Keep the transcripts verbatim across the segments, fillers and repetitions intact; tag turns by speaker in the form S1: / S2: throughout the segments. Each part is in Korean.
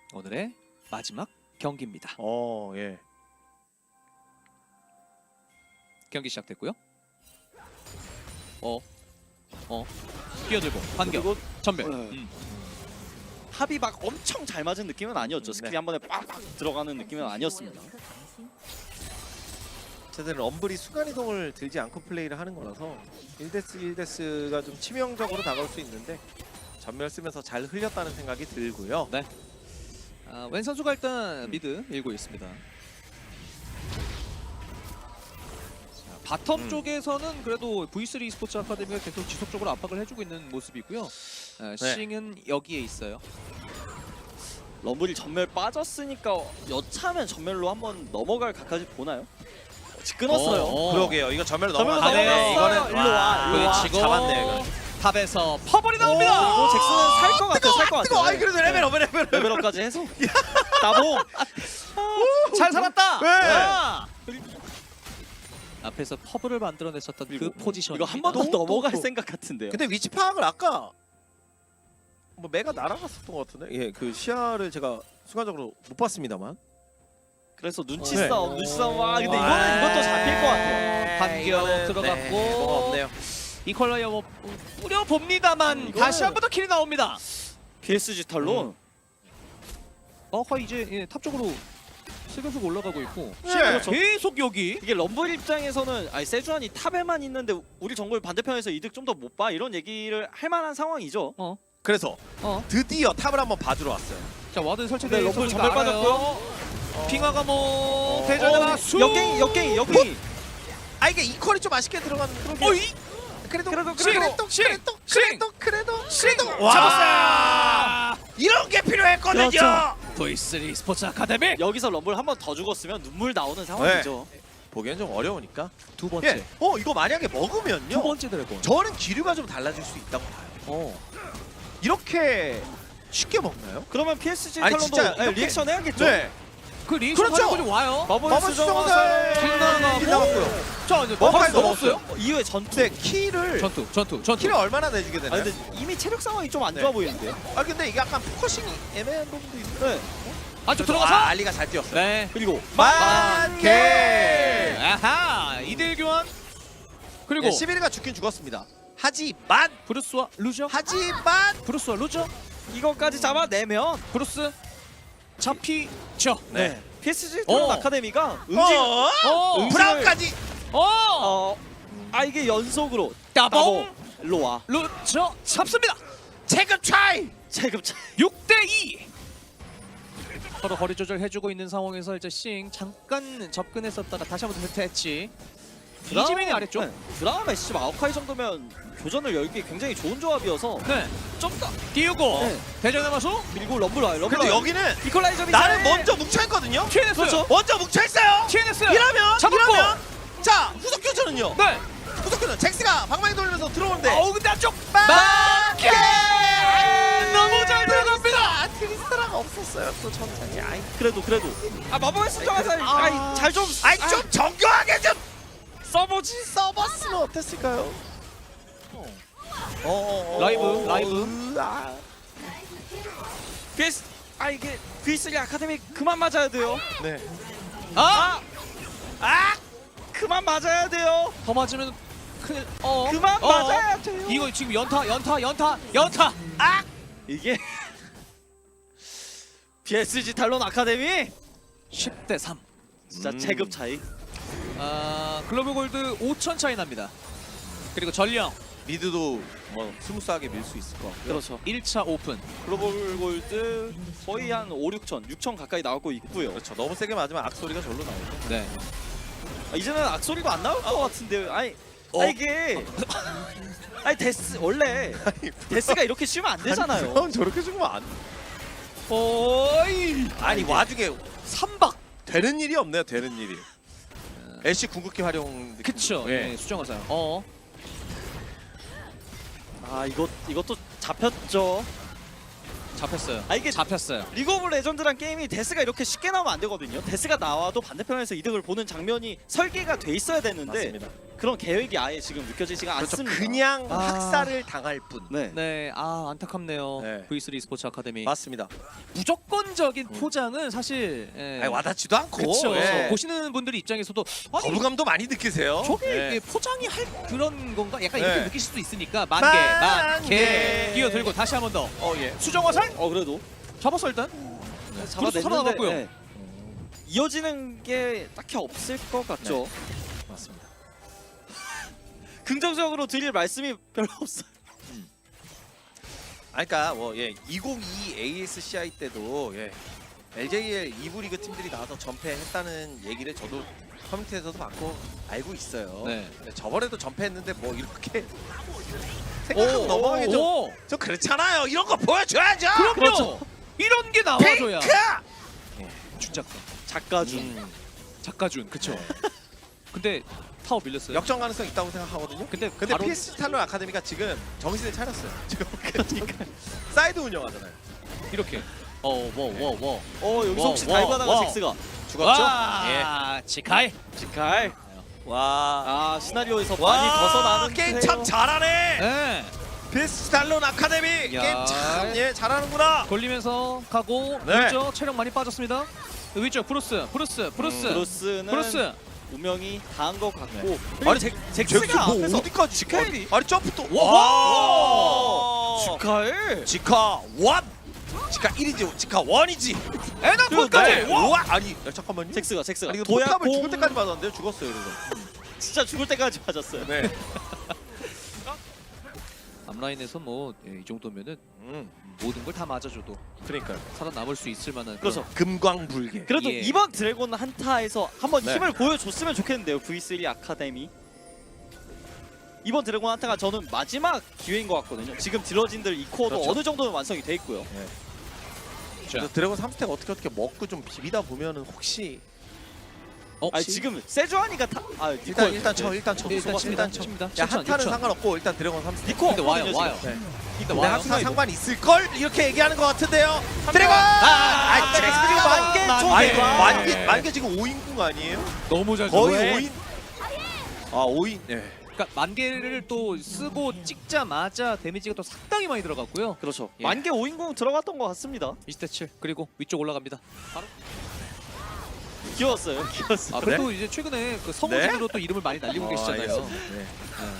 S1: 오늘의 마지막 경기입니다.
S2: 어, 예.
S1: 경기 시작됐고요. 어, 어, 뛰어들고 반격,
S3: 그리고
S1: 전멸.
S3: 네.
S1: 음.
S3: 합이 막 엄청 잘 맞은 느낌은 아니었죠.
S2: 음,
S3: 스킬이
S2: 네.
S3: 한 번에 빡빡 들어가는 느낌은 아니었습니다.
S2: 어쨌든 럼블이 순간이동을 들지 않고 플레이를 하는 거라서 일 대스 일 대스가 좀 치명적으로 다가올 수 있는데 전멸 쓰면서 잘 흘렸다는 생각이 들고요.
S1: 네. 아, 웬 선수가 일단 미드 밀고 있습니다. 자, 바텀
S2: 음.
S1: 쪽에서는 그래도 브이 쓰리 e스포츠 아카데미가 계속 지속적으로 압박을 해주고 있는 모습이고요. 아,
S2: 네.
S1: 싱은 여기에 있어요.
S3: 럼블이 전멸 빠졌으니까 여차하면 전멸로 한번 넘어갈 각까지 보나요? 어, 끊었어요.
S1: 어, 어.
S2: 그러게요. 이거 전멸
S3: 전멸로
S2: 넘어가네.
S1: 넘어갔어요.
S2: 이거는
S3: 일로 와, 일로 와.
S1: 그리고
S2: 잡았네요. 이거.
S1: 탑에서 퍼블이 나옵니다.
S3: 오, 잭슨은 살 것 같아요. 살 것 같아요.
S2: 뜨거워. 아이 그래도 레벨업 레벨업.
S3: 레벨업까지 해서 나봉.
S1: 잘 살았다.
S2: 네.
S1: 아! 앞에서 퍼블을 만들어냈었던 그
S3: 그리고
S1: 포지션.
S3: 이거 한 번 더
S2: 또, 또,
S3: 넘어갈
S2: 또.
S3: 생각 같은데요.
S2: 근데 위치 파악을 아까 뭐 매가 날아갔었던 것 같은데. 예, 그 시야를 제가 순간적으로 못 봤습니다만.
S3: 그래서 눈치
S2: 네.
S3: 싸움, 눈치 싸움. 와, 근데 이거는 이것도 잡힐 것 같아요.
S1: 반격
S2: 이거는,
S1: 들어갔고.
S2: 네, 뭐가 없네요.
S1: 이퀄라이어 뭐 뿌려 봅니다만
S3: 이거는-
S1: 다시 한 번 더 킬이 나옵니다.
S3: 피에스지 탈론.
S1: 어허 이제 예, 탑 쪽으로 슬금슬금 올라가고 있고
S2: 네.
S1: 그렇죠. 계속 여기
S3: 이게 럼블 입장에서는 아니 세주안이 탑에만 있는데 우리 정글 반대편에서 이득 좀 더 못 봐 이런 얘기를 할 만한 상황이죠.
S2: 그래서
S1: 어.
S2: 드디어 탑을 한번 봐주러 왔어요.
S1: 자 와드
S3: 네,
S1: 설치된
S3: 럼블 전멸 빠졌고요.
S1: 핑화가 뭐
S2: 어,
S1: 대전화
S3: 어,
S1: 수
S3: 역갱이 역갱이 역갱이.
S2: 아 이게 이퀄이 좀 아쉽게 들어간.
S1: 어이
S2: 그래도
S3: 그래도,
S2: 그래도
S1: 싱!
S2: 그래도
S1: 싱!
S2: 그래도 그래도 그래도
S1: 와!
S2: 잡았어요. 이런 게 필요했거든요.
S1: 그렇죠. 브이 쓰리 스포츠 아카데미
S3: 여기서 럼블 한 번 더 죽었으면 눈물 나오는 상황이죠.
S2: 보기엔 좀 어려우니까.
S1: 두 번째
S2: 예. 어 이거 만약에
S1: 두
S2: 먹으면요.
S1: 번째 드래곤.
S2: 저는 기류가 좀 달라질 수 있다고 봐요.
S1: 어.
S2: 이렇게 쉽게 먹나요?
S3: 그러면 피에스지
S2: 아니,
S3: 탈론도
S2: 진짜
S3: 네,
S2: 이렇게-
S3: 리액션 해야겠죠.
S2: 네.
S1: 그 리액션
S2: 그렇죠.
S1: 하는 분이 와요.
S3: 마법의
S2: 마법 수정화살
S3: 수정화살
S2: 나왔고요.
S1: 자 이제
S2: 머파이
S1: 머파이
S2: 넘었어요.
S1: 넘었어요.
S3: 어, 이후에 전투.
S2: 근데 키를
S1: 전투 전투 전투.
S2: 키를 얼마나 내주게
S3: 아
S2: 되나요?
S3: 근데 이미 체력 상황이 좀 안
S2: 네.
S3: 좋아 보이는데요.
S2: 아 근데 이게 약간 포커싱이 애매한 부분도 있는데.
S3: 네.
S1: 안쪽
S2: 아,
S1: 들어가서.
S2: 알리가 잘 뛰었어요.
S1: 네.
S3: 그리고
S2: 만개.
S1: 아하 이대 일 교환. 그리고
S2: 네, 십일 위가 죽긴 죽었습니다. 하지만
S1: 브루스와 루저.
S2: 하지만
S1: 브루스와 루저.
S3: 이거까지 잡아내면
S1: 브루스 잡히죠.
S2: 네.
S3: 피에스지 탈론
S1: 어.
S3: 아카데미가 응징
S2: 어?
S1: 어.
S3: 응.
S2: 브라운까지.
S1: 어.
S3: 어, 아 이게 연속으로
S1: 따봉.
S3: 일로 와.
S1: 루저 잡습니다.
S2: 체급 차이.
S3: 체급 차이.
S1: 육 대 이. 서로 거리 조절해주고 있는 상황에서 이제 싱 잠깐 접근했었다가 다시 한번 대체했지. 이지민이 아래쪽.
S3: 네. 드라마 에스씨 마오카이 정도면 교전을 열기 굉장히 좋은 조합이어서
S1: 네.
S3: 좀 더
S1: 띄우고
S3: 네.
S1: 대전의 마수
S3: 밀고 럼블 와요. 럼블
S2: 근데
S3: 와요.
S2: 여기는
S3: 이퀄라이저비
S2: 나는 먼저 뭉쳐있거든요.
S1: 티엔에스.
S3: 그렇죠.
S2: 먼저 뭉쳐있어요.
S1: 티엔에스.
S2: 이러면
S1: 잡았고.
S2: 이러면 자 후속 교전은요.
S1: 네.
S2: 후속 교전 잭스가 방망이 돌리면서 들어오는데
S1: 어우 근데 안쪽.
S2: 마켓
S1: 너무 잘 들어갑니다.
S2: 아 트리스타라가 없었어요. 또 천천히. 아이
S3: 그래도 그래도 아 마법의 수정화살
S2: 아.
S3: 아이 잘좀
S2: 아이 좀 정교하게 좀
S3: 써보지.
S2: 써봤으면 어땠을까요? 어, 어, 어,
S1: 라이브,
S2: 어,
S1: 라이브.
S2: 으, 아.
S3: 피에스 아 이게 브이쓰리 아카데미 그만 맞아야 돼요.
S2: 네.
S1: 아!
S3: 아 그만 맞아야 돼요.
S1: 더 맞으면 큰일. 어.
S3: 그만
S1: 어.
S3: 맞아야 돼요.
S1: 이거 지금 연타 연타 연타 연타.
S3: 아 이게 피에스지 탈론 아카데미
S1: 십 대 삼.
S3: 진짜
S2: 음.
S3: 체급 차이.
S1: 아 글로벌 골드 오천 차이 납니다. 그리고 전령
S2: 미드도 뭐 스무스하게 밀 수 있을 것 같고요.
S3: 그렇죠.
S1: 일 차 오픈.
S3: 글로벌 골드 거의 한 오, 육천, 육천 가까이 나오고 있고요.
S2: 그렇죠. 너무 세게 맞으면 악소리가 절로 나오죠.
S1: 네.
S3: 아, 이제는 악소리도 안 나올 것 같은데. 아니,
S1: 어.
S3: 아 이게 아니 데스 원래 데스가 이렇게 쉬면 안 되잖아요.
S2: 그럼 저렇게 죽으면 안.
S1: 오이.
S2: 아니 와중에
S1: 삼박.
S2: 되는 일이 없네요. 되는 일이. 애쉬 궁극기 활용. 느낌.
S1: 그쵸.
S2: 예.
S1: 네, 수정화살. 어.
S3: 아 이것 이것도 잡혔죠.
S1: 잡혔어요.
S3: 아 이게
S1: 잡혔어요.
S3: 리그 오브 레전드란 게임이 데스가 이렇게 쉽게 나오면 안 되거든요. 데스가 나와도 반대편에서 이득을 보는 장면이 설계가 돼 있어야 되는데
S2: 맞습니다.
S3: 그런 계획이 아예 지금 느껴지지가
S2: 그렇죠.
S3: 않습니다.
S2: 그냥
S1: 아.
S2: 학살을 당할 뿐.
S3: 네.
S1: 네, 아 안타깝네요.
S2: 네.
S1: 브이쓰리 스포츠 아카데미
S2: 맞습니다.
S1: 무조건적인
S2: 음.
S1: 포장은 사실 예.
S2: 아니, 와닿지도 않고.
S1: 그렇죠.
S2: 예.
S1: 보시는 분들 입장에서도 아니
S2: 거부감도 많이 느끼세요.
S1: 저게
S2: 예.
S1: 이게 포장이 할 그런 건가? 약간
S2: 네.
S1: 이렇게 느끼실 수도 있으니까 만개,
S2: 만개.
S1: 만개 뛰어들고 다시 한 번 더
S2: 어 예.
S1: 수정화살
S3: 어 그래도
S1: 잡았어 일단.
S3: 잡아냈는데
S1: 살아나갔고요.
S3: 네. 이어지는 게 딱히 없을 것 같죠.
S2: 맞습니다.
S3: 긍정적으로 드릴 말씀이 별로 없어요.
S2: 아, 그러니까 뭐 예, 이천이십이 에이에스씨아이 때도 예, 엘제이엘 이 부 리그 팀들이 나와서 전패했다는 얘기를 저도 커뮤니티에서도 받고 알고 있어요.
S1: 네.
S2: 근데 저번에도 전패했는데 뭐 이렇게 생각하고 넘어가기 좀,
S1: 오,
S2: 좀 그렇잖아요. 이런 거 보여줘야죠.
S1: 그럼요.
S3: 그렇죠.
S1: 이런 게 나와줘야.
S2: 핑크!
S1: 준작가,
S3: 작가 중
S2: 음,
S1: 작가준, 그쵸.
S2: 네.
S1: 근데 타워 밀렸어요.
S2: 역전 가능성 있다고 생각하거든요.
S1: 근데
S2: 근데
S1: 바로
S2: 피에스지 탈론 아카데미가 지금 정신을 차렸어요. 지금 그러니까 사이드 운영하잖아요.
S1: 이렇게. 어, 워, 워, 워.
S3: 어 여기서
S1: 와,
S3: 혹시
S1: 와,
S3: 달바다가
S1: 와.
S3: 잭스가
S2: 죽었죠?
S1: 와, 지카이.
S3: 직할
S2: 예. 와.
S3: 아 시나리오에서
S2: 와,
S3: 많이 벗어나는
S2: 게임 참 잘하네.
S1: 네.
S2: 피에스지 탈론 아카데미
S1: 야.
S2: 게임 참 예, 잘하는구나.
S1: 걸리면서 가고
S2: 네.
S1: 위쪽 체력 많이 빠졌습니다. 위쪽 브루스, 브루스, 브루스,
S2: 음,
S3: 브루스는
S1: 브루스.
S3: 운명이 닿은 것 같고
S2: 네.
S3: 그리고
S2: 아니,
S3: 잭,
S2: 잭스
S3: 잭스가
S2: 뭐
S3: 앞에서
S2: 어디까지
S3: 지카엘이
S2: 아니 점프 또
S1: 와.
S2: 와.
S3: 축하해.
S2: 지카 원 지카 일이지 지카 원이지
S1: 에너콘까지.
S2: 네. 와 아니 야, 잠깐만요.
S3: 잭스가 잭스가
S2: 아니 이거
S3: 도약
S2: 포탑을
S3: 공
S2: 죽을 때까지 맞았는데요. 죽었어요 이거.
S3: 진짜 죽을 때까지 맞았어요.
S2: 네.
S1: 앞라인에서 뭐 이 정도면은
S2: 음
S1: 모든 걸 다 맞아줘도
S2: 그러니까요.
S1: 살아남을 수 있을 만한
S3: 그렇죠.
S2: 금광불개.
S3: 그래도
S1: 예.
S3: 이번 드래곤 한타에서 한번
S2: 네.
S3: 힘을 보여줬으면 좋겠는데요. 브이쓰리 아카데미. 이번 드래곤 한타가 저는 마지막 기회인 것 같거든요. 지금 딜러진들 이 코어도
S2: 그렇죠.
S3: 어느 정도는 완성이 돼 있고요.
S1: 자.
S2: 그래서 드래곤 삼 스택 어떻게 어떻게 먹고 좀 비비다 보면은 혹시
S1: 어,
S3: 아니 지금 세주아니가 타... 아 니코
S2: 일단 일단 쳐 일단 쳐
S1: 일단
S2: 수고,
S1: 칩니다.
S2: 일단 쳐.
S1: 칩니다.
S2: 야
S1: 칠천,
S2: 한타는
S1: 육천.
S2: 상관없고 일단 드래곤 삼 스택.
S3: 니코
S1: 근데 와요,
S3: 없거든요,
S1: 와요.
S3: 지금.
S2: 네.
S1: 일단
S2: 근데
S1: 와요.
S2: 항상 상관 있을 걸 이렇게 얘기하는 것 같은데요.
S1: 명.
S2: 드래곤.
S1: 아,
S2: 아, 잭스가
S3: 만개
S1: 만개.
S3: 쪽에.
S2: 아니
S1: 와.
S2: 만개 만개 지금 오 인궁 아니에요?
S1: 너무 잘
S2: 거의
S1: 왜?
S2: 오 인. 아 오 인. 네.
S1: 그러니까 만개를 또 쓰고 찍자마자 데미지가 또 상당히 많이 들어갔고요.
S3: 그렇죠.
S1: 예.
S3: 만개 오인공 들어갔던 것 같습니다.
S1: 이십 대 칠 그리고 위쪽 올라갑니다.
S3: 귀여웠어요. 귀여웠어요.
S1: 아 그래도 이제 최근에 그 성우진으로 또 이름을 많이 날리고
S2: 어,
S1: 계시잖아요.
S2: 알겠습니다. 네.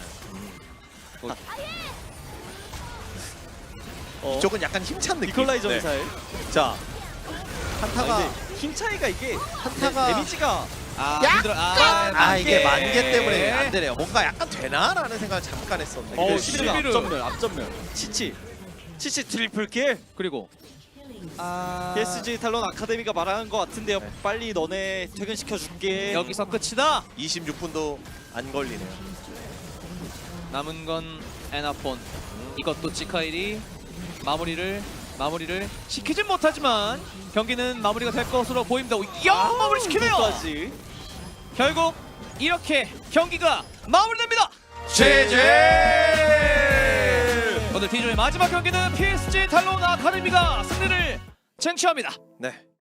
S3: 어,
S2: 이쪽은 약간 힘찬 느낌.
S3: 니콜라이저
S2: 네.
S3: 미사일.
S2: 자
S3: 아,
S2: 한타가
S3: 근데 힘 차이가 이게
S2: 한타가
S3: 데, 데미지가
S1: 아
S2: 야!
S1: 힘들어. 아,
S2: 아
S1: 만개.
S2: 이게 만개 때문에 안 되네요. 뭔가 약간 되나라는 생각을 잠깐 했었는데.
S3: 어,
S2: 그
S3: 십일은
S1: 십일은.
S3: 앞전멸, 앞전멸. 치치. 치치 트리플 킬.
S1: 그리고 아
S3: 피에스지 탈론 아카데미가 말하는 것 같은데요.
S2: 네.
S3: 빨리 너네 퇴근시켜 줄게.
S1: 여기서 끝이다.
S2: 이십육 분도 안 걸리네요.
S1: 남은 건 에나폰. 이것도 지카일이 마무리를 마무리를 시키진 못하지만 경기는 마무리가 될 것으로 보입니다. 야 마무리 시키네요.
S3: 까지.
S1: 결국 이렇게 경기가 마무리됩니다.
S2: 제제.
S1: 오늘 T조의 마지막 경기는 피에스지 탈론 아카데미가 승리를 쟁취합니다.
S2: 네.